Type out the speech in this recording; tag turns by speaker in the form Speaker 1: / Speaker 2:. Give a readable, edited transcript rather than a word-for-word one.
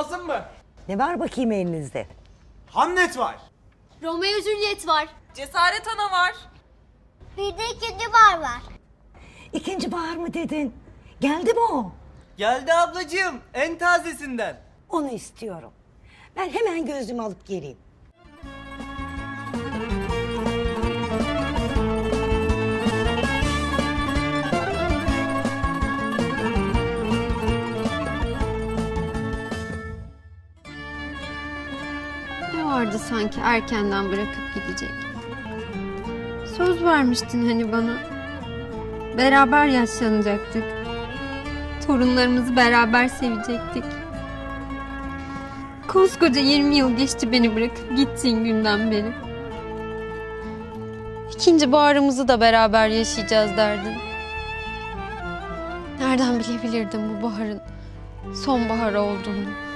Speaker 1: lazım mı?
Speaker 2: Ne var bakayım elinizde?
Speaker 1: Hamlet var.
Speaker 3: Romeo Juliet var.
Speaker 4: Cesaret Ana var.
Speaker 3: Bir de ikinci bahar var.
Speaker 2: İkinci bahar mı dedin? Geldi mi o?
Speaker 5: Geldi ablacığım, en tazesinden.
Speaker 2: Onu istiyorum. Ben hemen gözlüğümü alıp geleyim.
Speaker 6: Ne vardı sanki erkenden bırakıp gidecek? Söz vermiştin hani bana. Beraber yaşlanacaktık. Torunlarımızı beraber sevecektik. Koskoca 20 yıl geçti beni bırakıp gittiğin günden beri. İkinci baharımızı da beraber yaşayacağız derdin. Nereden bilebilirdim bu baharın sonbahar olduğunu?